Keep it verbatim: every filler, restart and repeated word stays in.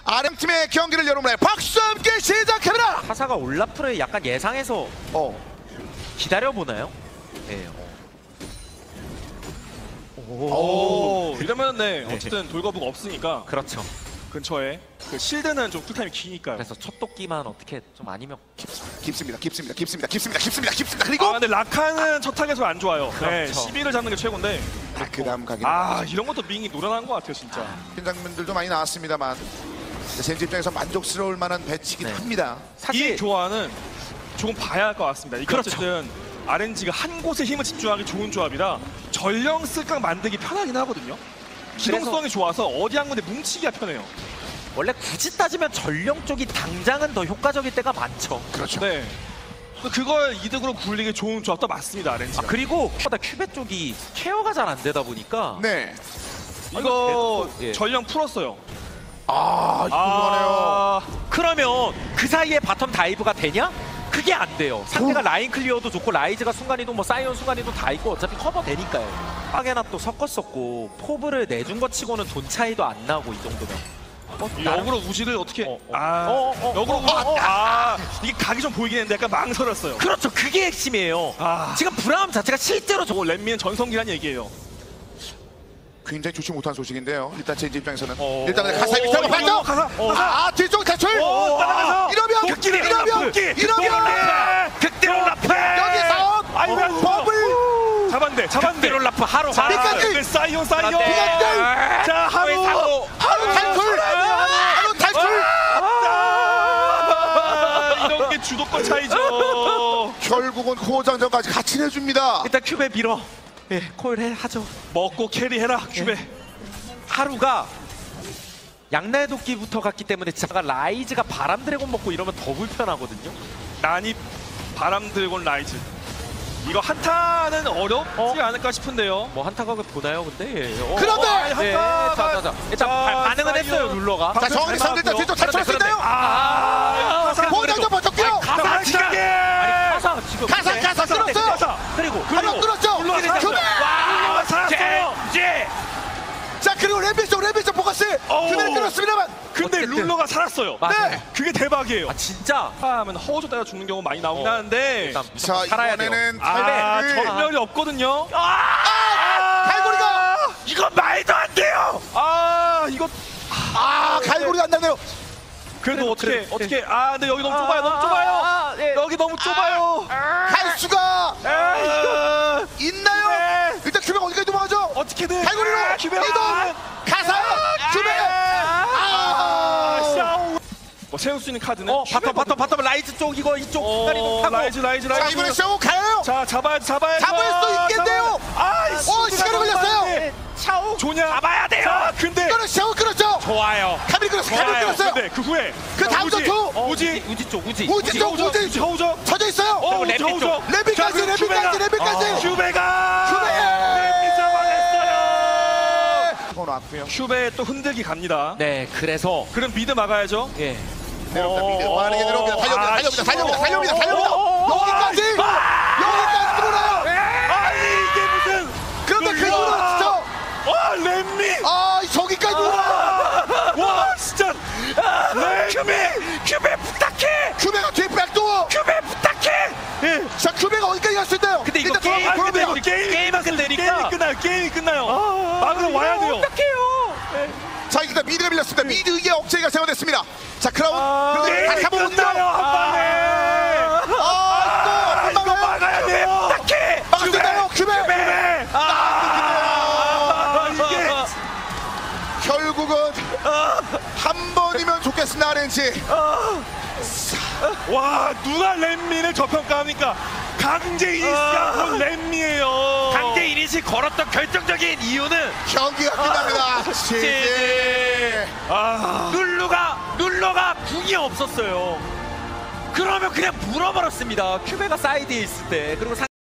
아르엠팀의 경기를 여러분의 박수와 함께 시작합니다. 카사가 올라프를 약간 예상해서 어. 기다려보나요? 네. 오. 오, 이러면 네 어쨌든 돌거부가 없으니까 그렇죠. 근처에 그 실드는 좀 쿨타임이 기니까요. 그래서 첫 도끼만 어떻게 좀 아니면 깊습니다. 깊습니다. 깊습니다. 깊습니다. 깊습니다. 깊습니다. 그리고 아 근데 라칸은 첫 타겟으로 안 좋아요. 네, 그렇죠. 시비를 잡는 게 최고인데 아, 그다음 가기. 아 이런 것도 밍이 노련한 것 같아요 진짜. 큰 장면들도 많이 나왔습니다만 젠지 입장에서 만족스러울 만한 배치긴 네. 합니다. 사실 이 교환은 조금 봐야 할 것 같습니다. 이게 그렇죠. 어쨌든 알엔지가 한 곳에 힘을 집중하기 좋은 조합이라 전령 쓸각 만들기 편하긴 하거든요. 기동성이 좋아서 어디 한 군데 뭉치기가 편해요. 원래 굳이 따지면 전령 쪽이 당장은 더 효과적일 때가 많죠. 그렇죠. 네. 또 그걸 이득으로 굴리기 좋은 조합도 맞습니다, 아, 알엔지가. 그리고 보다 큐베 쪽이 케어가 잘 안 되다 보니까 네. 이거 예. 전령 풀었어요. 아, 이거 하네요. 그러면 그 사이에 바텀 다이브가 되냐? 그게 안 돼요. 상대가 라인 클리어도 좋고 라이즈가 순간이동 뭐 사이온 순간이동 다 있고 어차피 커버 되니까요. 하게나 또 섞었었고 포브를 내준 것 치고는 돈 차이도 안 나고 이 정도면. 어, 이 나름- 역으로 우지를 어떻게 어, 어. 아 어, 어, 어, 역으로 어, 우지 어, 어. 아 이게 각이 좀 보이긴 했는데 약간 망설였어요. 그렇죠. 그게 핵심이에요. 아. 지금 브라움 자체가 실제로 저거 렛미는 전성기란 얘기예요. 굉장히 좋지 못한 소식인데요. 일단 젠지 입장에서는 어. 일단 카사의 밑에 한번 이거 봤죠? 가사 어. 아, 뒤쪽 탈출! 오, 따라가서 이러면 극딜이 이러면 극딜 이러면 극딜 올라프 여기서 아이고 버블 잡았네 잡았네 딜올라프 하루 자 끝까지! 그 사이온 사이온 그런데 자 하루 하루 하루 탈출! 하루 탈출! 아, 이런 게 주도권 차이죠. 결국은 호장전까지 같이 내줍니다. 일단 큐베 밀어. 예, 콜 해 하죠. 먹고 캐리해라 큐베. 하루가 양날 도끼부터 갔기 때문에 제가 라이즈가 바람 드래곤 먹고 이러면 더 불편하거든요. 난입 바람 들곤 라이즈. 이거 한타는 어렵지 어? 않을까 싶은데요. 뭐 한타각을 보나요, 근데? 예. 어, 그런데! 어, 예, 한타가- 자, 자, 자. 일단 자, 바, 반응은 사이언. 했어요, 룰러가. 자, 정원이 상대 일단 뒤쪽 탈출할 수 있나요? 아, 가사 호장전 버텼고요! 가사 지금 아니, 아니 가사 지금 가사, 근데- 가사 근데- 끊었어요! 가사. 그리고 한번 끊었죠? 룰러가 살았어요. 큐베! 와, 살았어요. 제 자, 그리고 램비쪽 램비쪽 포커스! 어우. 큐베를 끊었습니다만! 근데 어쨌든. 룰러가 살았어요. 맞아요. 네! 그게 대박이에요. 아 진짜 하면 허우조 따라 죽는 경우 많이 나오긴 어. 하는데 일단 자, 무조건 살아야 돼요. 이번에는 아 탈배를 전멸이 없거든요. 아! 갈고리가! 이건 말도 안 돼요. 아 이거 아, 갈고리가 안 나네요. 그래도 어떻게 그래, 어떻게 아 근데 여기 너무 좁아요. 너무 좁아요. 아, 예. 여기 너무 좁아요. 갈 수가 아, 이거 있나요? 네. 일단 큐베가 어디까지 도망가죠? 어떻게든 갈고리로 아, 기회가- 이동! 가사! 큐베! 아, 아! 샤오. 뭐 세울 수 있는 카드는 어 바텀 바텀 바텀 라이즈 쪽 이거 이쪽 순간이동 어, 하고 라이즈 라이즈 자, 라이즈. 이번에 샤오 가요! 자 잡아야 잡아야 잡을 수 있겠네요. 아, 어, 시간이 걸렸어요. 차오 조냐 잡아야 돼요. 자, 근데 이거는 샤오 끊었죠? 좋아요. 카밀 끊었어요. 카밀 좋아요. 끊었어요. 근데 그 후에 그 자, 다음 우지, 전투! 어, 우지 우지 쪽 우지 우지 쪽, 우지 우지! 우지 허우죠. 쳐져 있어요. 어, 램비 우지 쪽. 허우죠. 램비까지, 자, 그리고 램비까지, 큐베가- 램비까지. 어, 큐베가 큐베! 램비 잡아냈어요. 번 왔고요. 큐베 또 흔들기 갑니다. 네 그래서 그럼 미드 막아야죠. 예 내려옵니다. 미드. 어, 빠르게 내려옵니다. 달려옵니다. 아, 달려옵니다. 달려옵니다. 어, 달려옵니다. 어, 달려옵니다. 어, 어, 어, 여기까지! 여기까지 들어오나요? 아 이게 무슨 그런데 그 우와. 이후로 진짜 아 램미 아, 저기까지 들어오나요? 와 진짜 큐베 큐베 부탁해 큐베가 뒤에 백도어! 큐베 부탁해. 예. 자, 큐베가 어디까지 갈 수 있나요? 근데 이거 일단 게임- 돌아가 아, 근데 보여요. 이거 게임 게임만 게임이 끝내니까. 끝나요. 게임이 끝나요. 막으러 와야 돼요. 어떡해요. 자, 일단 미드가 밀렸습니다. 미드의 억제기가 세워됐습니다. 자, 크라운. 아, 그리고 게임이 다시 한번 끝나요. 옵니다. 한 방에. 아, 또! 이거 한 방에! 막아야 돼요. 부탁해. 막았나요? 큐베! 큐베. 아 이게 결국은 한 번이면 좋겠습니다, 아르엔지. 와 누가 램미를 저평가합니까? 강제 이니시가 본 램미예요. 강제 이닛을 걸었던 결정적인 이유는 경기가 끝납니다. 지지. 아 룰루가 룰러가 궁이 없었어요. 그러면 그냥 물어버렸습니다. 큐베가 사이드에 있을 때 그리고 상